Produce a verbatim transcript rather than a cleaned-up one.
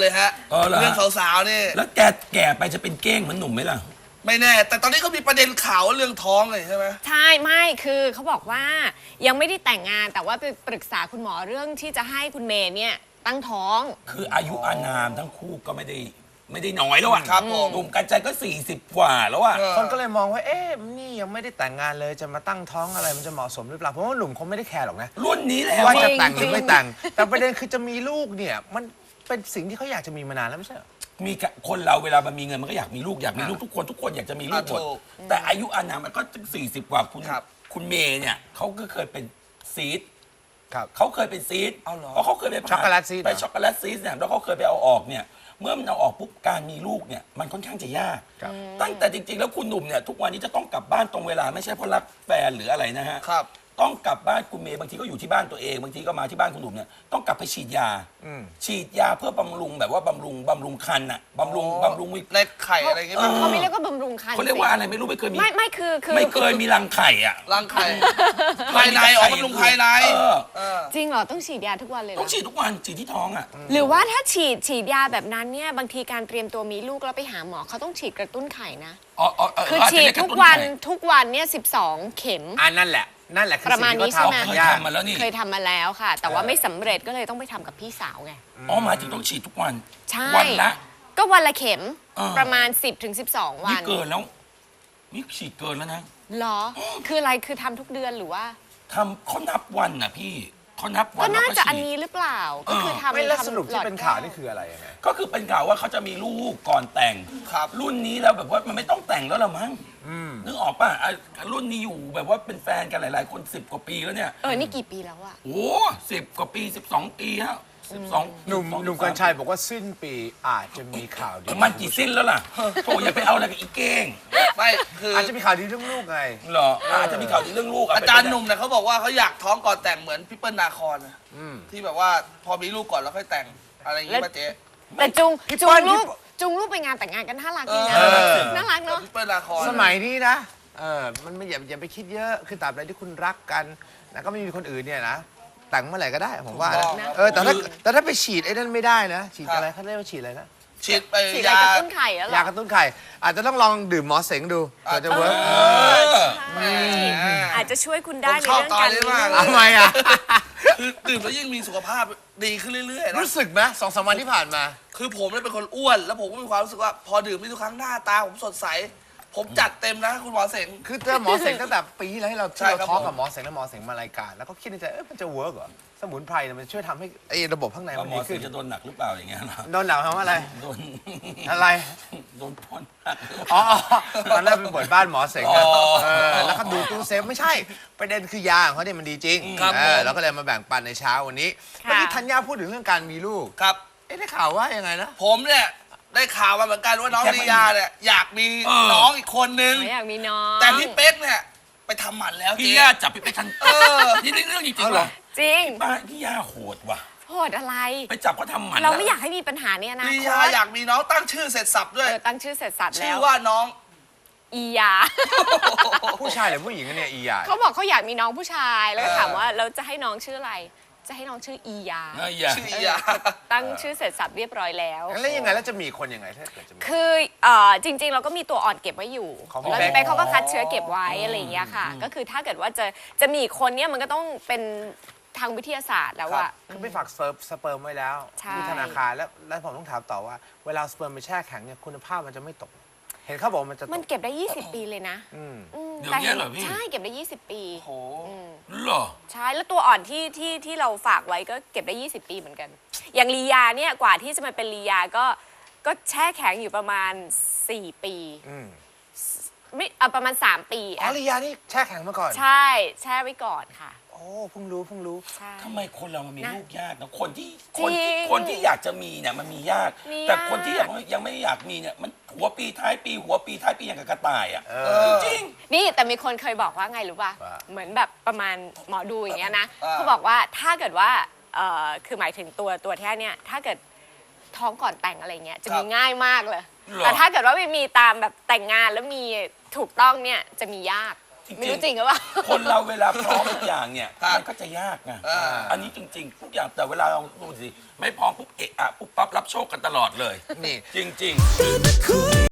เลยฮะเออเหรอฮะเรื่องสาวๆนี่แล้วแกแก่ไปจะเป็นเก้งเหมือนหนุ่มไหมล่ะไม่แน่ แต่ตอนนี้ก็มีประเด็นข่าวเรื่องท้องเลยใช่ไหมใช่ไม่คือเขาบอกว่ายังไม่ได้แต่งงานแต่ว่าไปปรึกษาคุณหมอเรื่องที่จะให้คุณเมย์เนี่ยตั้งท้องคืออายุอานามทั้งคู่ก็ไม่ได้ไม่ได้น้อยแล้วอะครับผมหนุ่มกันใจก็สี่สิบกว่าแล้วอะเออคนก็เลยมองว่า เอ๊ะ นี่ยังไม่ได้แต่งงานเลย จะมาตั้งท้องอะไร มันจะเหมาะสมหรือเปล่า เพราะว่าหนุ่มคงไม่ได้แคร์หรอกนะรุ่นนี้แล้วว่าอะจะแต่งหจริรืงอไม่แต่ง แต่ประเด็นคือจะมีลูกเนี่ย มันเป็นสิ่งที่เขาอยากจะมีมานานแล้วไม่ใช่เหรอมีกะคนเราเวลามันมีเงินมันก็อยากมีลูกอยากมีลูกทุกคนทุกคนอยากจะมีลูกหมดอ่ะถูกแต่อายุอานามมันก็สี่สิบกว่าคุณครับคุณเมย์เนี่ยเขาก็เคยเป็นซีดครับเขาเคยเป็นซีดเอาเหรอเพราะเขาเคยไปผ่าช็อกโกแลตซีสเหรอไปช็อกโกแลตซีสเนี่ยแล้วเขาเคยไปเอาออกเนี่ยเมื่อมันเอาออกปุ๊บการมีลูกเนี่ยมันค่อนข้างจะยากครับตั้งแต่จริงๆแล้วคุณหนุ่มเนี่ยทุกวันนี้จะต้องกลับบ้านตรงเวลาไม่ใช่เพราะรักแฟนหรืออะไรนะฮะครับต้องกลับบ้านคุณเมย์บางทีก็อยู่ที่บ้านตัวเองบางทีก็มาที่บ้านคุณหนุ่มเนี่ยต้องกลับไปฉีดยาอืมฉีดยาเพื่อบำรุงแบบว่าบำรุงบำรุงคันอะบำรุงบำรุงวิในไข่อะไรอย่างเงี้ยเออเขาไม่เรียกว่าบำรุงครรภ์เขาเรียกว่าอะไรไม่รู้ไม่เคยมีไม่ไม่คือคือไม่เคยมีรังไข่อะรังไข่ ภายในออกบำรุงภายในเออเออจริงเหรอต้องฉีดยาทุกวันเลยเหรต้องอฉีดทุกวันฉีดที่ท้องอะหรือว่าถ้าฉีดฉีดยาแบบนั้นเนี่ยบางทีการเตรียมตัวมีลูกแล้วไปหาหมอเขาต้องฉีดกระตุ้นไข่นะอ๋ออ๋อเคืออาจจะฉีดเรียทุกระตุ้วันไข่ทุกวันเนี่ยสิบสองเข็มอันนั่นแหละ นั่นแหละคือประมาณสิ่งที่นี้ใช่ไหมเขาเคยทำยากทำมาแล้วนี่เคยทำมาแล้วค่ะ แต่ว่าไม่สำเร็จก็เลยต้องไปทำกับพี่สาวไงอ๋อหมายถึงต้องฉีดทุกวันใช่วันละก็วันละเข็มเออประมาณ สิบถึงสิบสอง วันี่นเกินแล้วนี่ฉีดเกินแล้วนะเหรอ คืออะไรคือทำทุกเดือนหรือว่าทำเขานับวันน่ะพี่เขานับวัก็นน่าแล้วจะฉีดอันนี้หรือเปล่า ก็คือทำไม่แล้วทำสรุปที่หลอดเป็นข่าวแก้นี่คืออะไรยังไงก็คือเป็นข่าวว่าเขาจะมีลูกก่อนแต่งครับรุ่นนี้แล้วแบบว่ามันไม่ต้องแต่งแล้วละมั้งนึกออกป่ะอ่ะรุ่นนี้อยู่แบบว่าเป็นแฟนกันหลาย ๆ คนสิบกว่าปีแล้วเนี่ยเออ นี่กี่ปีแล้วอะโอ้สิบกว่าปีสิบสองปีฮะสิบสองหนุ่มหนุ่มกัญชัยบอกว่าสิ้นปีอาจจะมีข่าวดีมันกี่สิ้นแล้วล่ะโถอย่าไปเอาอะไรกับอีเก้งไม่คืออาจจะมีข่าวดีเรื่องลูกไงเหรออาจจะมีข่าวดีเรื่องลูกะอาจารย์หนุ่มเนี่ยเขาบอกว่าเขาอยากท้องก่อนแต่งเหมือนพี่เปิ้ลนาคอนนะอืมที่แบบว่าพอมีลูกก่อนแล้วค่อยแต่งอะไรอย่างงี้ป่ะเจ๊แต่จุงพี่จุงเปิ้ลลูกพี่จุงลูกไปงานแต่งงานกันน่ารักดีนะเออน่ารักแบบเนาะพี่เปิ้ลนาคอนสมัยนี้นะ เออ มันไม่อย่าอย่าไปคิดเยอะ คือตราบใดที่คุณรักกันนะก็ไม่มีคนอื่นเนี่ยนะ แต่งเมื่อไหร่ก็ได้ผมว่าถูกนะต้องครับเออ แต่ถ้าแต่ถ้าไปฉีดไอ้นั่นไม่ได้นะ ฉีดอะไรเขาเรียกว่าฉีดอะไรนะฉีดไปฉีดอะไรยากระตุ้นไข่แล้วเหรยาอกระตุ้นไข่ อาจจะต้องลองดื่มหมอเสงดูเผื่อจะเวิร์กเออแหมอาจจะช่วยคุณผได้มในชอบเรื่องตอกาน รนี้มีมากลูกทำไมอ่ะคือดื่มแล้วยิ่งมีสุขภาพดีขึ้นเรื่อยๆนะรู้สึกไหมสองสามวันที่ผ่านมาคือผมเนี่ยเป็นคนอ้วน แล้วผมก็มีความรู้สึกว่าพอดื่มนี่ทุกครั้งหน้าตาผมสดใส ผมจัดเต็มนะคุณหมอเสงคือเจอหมอเสงตั้งแต่ปีที่แล้วที่เราใช่ที่เราครับทอล์กผมกับหมอเสงแล้วหมอเสงมารายการ แล้วก็คิดในใจเอ๊ะมันจะเวิร์กเหรอ สมุนไพรเนี่ยมันช่วยทำให้ไอ้ระบบข้างในแล้วมันหมอดีสิขึ้นจะโดนหนักหรือเปล่าอย่างเงี้ยเหรอโดนหนักทำอะไรโดนอะไรโดนพ่นหนักอ๋อตอนแรกเป็นบทบ้านหมอเสงนะอ๋อเออแล้วก็ดูตู้เซฟไม่ใช่ ประเด็นคือยาของเขาเนี่ยมันดีจริงครับเอผมอแล้วก็เลยมาแบ่งปันในเช้าวันนี้ค่ะเมื่อกี้ธัญญาพูดถึงเรื่องการมีลูกครับเอ๊ะได้ข่าวว่ายังไงนะผมเนี่ยได้ข่าวมาเหมือนกันว่าน้องแจ็คลียาเนี่ยอยากมีเออน้องอีกคนนึงไม่อยากมีน้องแต่พี่เป๊กเนี่ยไปทำหมันแล้วพี่เจ๊ย่าจับพี่ไปทันเออนี่เรื่องจริงเอาๆเหรว่ะอจริงบ้านพี่ย่าโหดว่ะโหดอะไรไปจับเขาทำหมันเราไม่อยากให้มีปัญหาเนี่ยนะลียาอยากมีน้องตั้งชื่อเสร็จสับด้วยเออตั้งชื่อเสร็จสับชื่แล้อวว่าน้องอียาผู้ชายหรือผู้หญิงกันเนี่ยอีหยาเขาบอกเขาอยากมีน้องผู้ชายแล้วก็เออถามว่าเราจะให้น้องชื่ออะไร จะให้น้องชื่ออียาเอออย่าชื่อลียาตั้งชื่อเสร็จสับเรียบร้อยแล้วแล้วยังไงแล้วจะมีคนยังไงถ้าเกิดจะมีคือเอ่อจริง ๆ เราก็มีตัวอ่อนเก็บไว้อยู่ของพี่แล้วเป๊กเป๊กเขาก็คัดเชื้อเก็บไว้อะไรอย่างเงี้ยค่ะ ก็คือถ้าเกิดว่าจะจะมีอีกคนเนี่ยมันก็ต้องเป็นทางวิทยาศาสตร์แล้วครัอะบคือไปฝากเซิร์ฟสเปิร์มไว้แล้วใช่ที่ธนาคารแล้วแล้วผมต้องถามต่อว่า เวลาสเปิร์มไปแช่แข็งเนี่ยคุณภาพมันจะไม่ตก เห็นเขาบอกว่ามันจะตมันกเก็บได้ ยี่สิบ ปีเลยนะอืมอืมเดี๋ยวแต่เนี้ยเหรอพี่ใช่เก็บได้ ยี่สิบ ปีโอ้โหเหรอใช่แล้วตัวอ่อนที่ที่ที่เราฝากไว้ก็เก็บได้ ยี่สิบ ปีเหมือนกัน อย่างลียาเนี่ยกว่าที่จะมาเป็นลียาก็ก็แช่แข็งอยู่ประมาณ สี่ ปีอืมไม่เอาประมาณ สาม ปีอ๋ออะลียานี่แช่แข็งมาก่อนใช่แช่ไว้ก่อนค่ะโอ้เพิ่งรู้เพิ่งรู้ใช่ทำไมคนเรามันมีนะลูกยากนะคนที่จริงคนที่คนที่อยากจะมีเนี่ยมันมียากมีแต่ยากคนที่ยังยังไม่อยากมีเนี่ยมันหัวปีท้ายปี หัวปีท้ายปีอย่างกับกระต่ายอ่ะเอเอออจริงนี่แต่มีคนเคยบอกว่าไงรู้ป่ะว่าเหมือนแบบประมาณหมอดูอย่างเงี้ยนะอ่าเขาบอกว่าถ้าเกิดว่าเอ่อคือหมายถึงตัวตัวแท้เนี่ยถ้าเกิดท้องก่อนแต่งอะไรเงี้ยจะมีง่ายมากเลยหรอแต่ถ้าเกิดว่าไม่มีตามแบบแต่งงานแล้วมีถูกต้องเนี่ยจะมียากจจริงๆไม่รู้จริงหรือเปล่าคนเราเวลาพร้อมทุกอย่างเนี่ยครับมันก็จะยากไงอ่าอันนี้จริง ๆ ทุกอย่างแต่เวลาเราดูสิไม่พร้อมปุ๊บเอะอะปุ๊บปั๊บรับโชคกันตลอดเลยนี่จริง ๆ